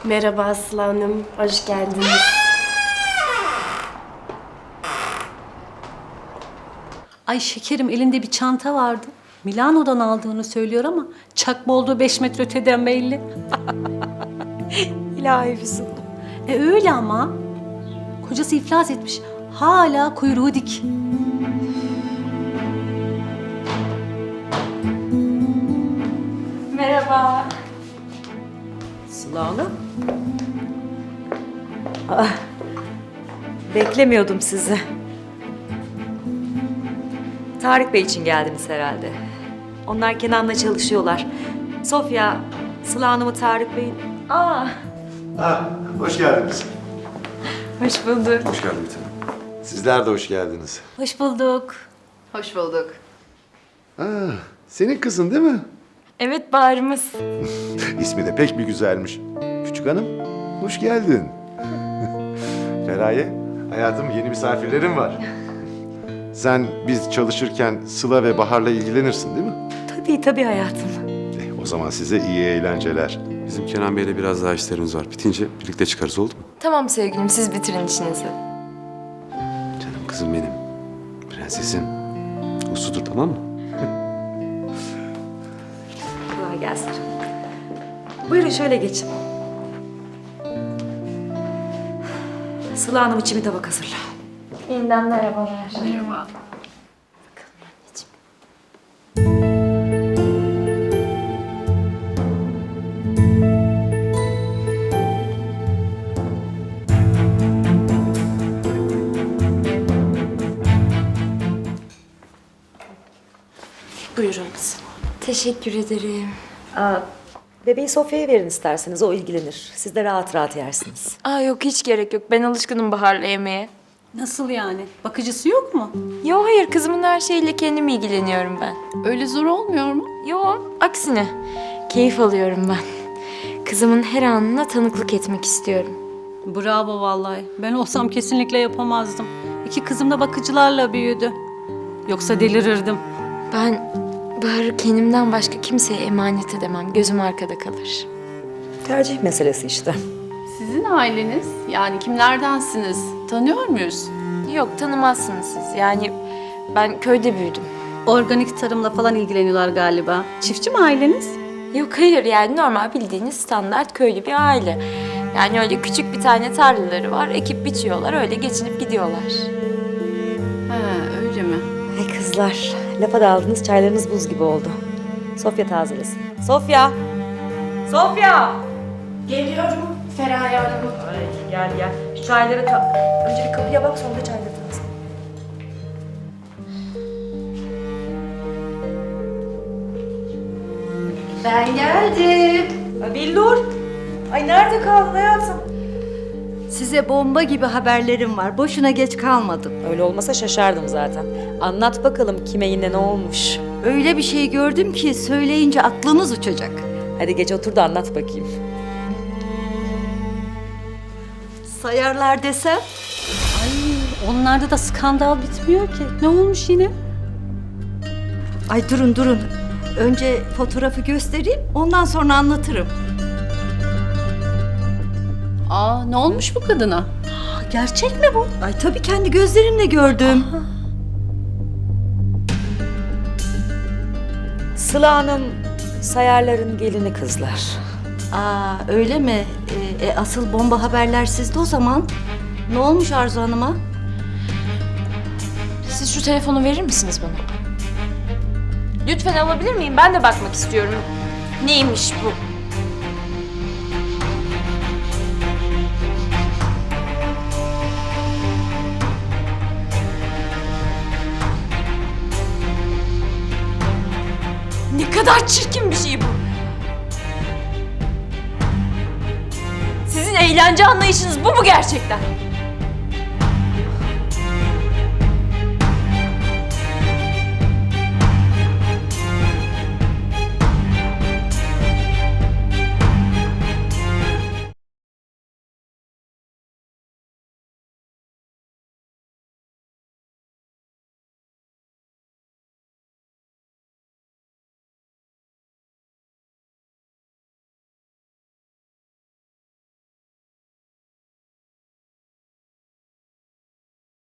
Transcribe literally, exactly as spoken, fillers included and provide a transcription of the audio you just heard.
Merhaba Aslı Hanım, hoş geldiniz. Ay şekerim, elinde bir çanta vardı. Milano'dan aldığını söylüyor ama çakma olduğu beş metre öteden belli. İlahi Füsun. E öyle ama. Kocası iflas etmiş. Hala kuyruğu dik. Merhaba. Sıla Hanım. Ah, beklemiyordum sizi. Tarık Bey için geldiniz herhalde. Onlar Kenan'la çalışıyorlar. Sofya, Sıla Hanım'ı Tarık Bey'in... Aa, Ha, hoş geldiniz. Hoş bulduk. Hoş geldin bir tanem. Sizler de hoş geldiniz. Hoş bulduk. Hoş bulduk. Ha, senin kızın değil mi? Evet, Bahar'ımız. İsmi de pek bir güzelmiş. Küçük hanım, hoş geldin. Feraye, hayatım yeni misafirlerim var. Sen biz çalışırken Sıla ve Bahar'la ilgilenirsin değil mi? tabii tabii hayatım. Eh, o zaman size iyi eğlenceler. Bizim Kenan Bey'le biraz daha işlerimiz var. Bitince birlikte çıkarız, oldu mu? Tamam sevgilim, siz bitirin işinizi. Canım kızım benim. Prensesim. Usludur, tamam mı? Kolay gelsin. Buyurun şöyle geçin. Sıla Hanım için bir tabak hazırla. Yeniden merhabalar. Merhaba. Buyurun. Teşekkür ederim. Aa, bebeği Sofya'ya verin isterseniz, o ilgilenir. Siz de rahat rahat yersiniz. Aa yok, hiç gerek yok. Ben alışkınım Bahar'la yemeğe. Nasıl yani? Bakıcısı yok mu? Yo hayır, kızımın her şeyiyle kendim ilgileniyorum ben. Öyle zor olmuyor mu? Yo, aksine. Keyif alıyorum ben. Kızımın her anına tanıklık etmek istiyorum. Bravo vallahi. Ben olsam kesinlikle yapamazdım. İki kızım da bakıcılarla büyüdü. Yoksa delirirdim. Ben Bahar'ı kendimden başka kimseye emanet edemem. Gözüm arkada kalır. Tercih meselesi işte. Sizin aileniz, yani kimlerdensiniz? Tanıyor muyuz? Yok, tanımazsınız siz. Yani ben köyde büyüdüm. Organik tarımla falan ilgileniyorlar galiba. Çiftçi mi aileniz? Yok hayır, yani normal bildiğiniz standart köylü bir aile. Yani öyle küçük bir tane tarlaları var, ekip biçiyorlar, öyle geçinip gidiyorlar. He, öyle mi? Ay kızlar, lafa daldınız, çaylarınız buz gibi oldu. Sofya tazelesin. Sofya! Sofya! Geliyorum Feraye Hanım. Ay gel gel. Şu çayları ta... Önce bir kapıya bak, sonra da çayları taze. Ben geldim. Ay Billur! Ay nerede kaldın hayatım? Size bomba gibi haberlerim var. Boşuna geç kalmadım. Öyle olmasa şaşardım zaten. Anlat bakalım kime yine ne olmuş? Öyle bir şey gördüm ki söyleyince aklınız uçacak. Hadi geç otur da anlat bakayım. Sayarlar desem. Ay onlarda da skandal bitmiyor ki. Ne olmuş yine? Ay durun durun. Önce fotoğrafı göstereyim, ondan sonra anlatırım. Aa, ne olmuş bu kadına? Aa, gerçek mi bu? Ay tabii kendi gözlerimle gördüm. Sıla Hanım Sayarlar'ın gelini kızlar. Aa öyle mi? Ee, e, asıl bomba haberler sizde o zaman. Ne olmuş Arzu Hanım'a? Siz şu telefonu verir misiniz bana? Lütfen alabilir miyim? Ben de bakmak istiyorum. Neymiş bu? Ne kadar çirkin bir şey bu. Sizin eğlence anlayışınız bu mu gerçekten?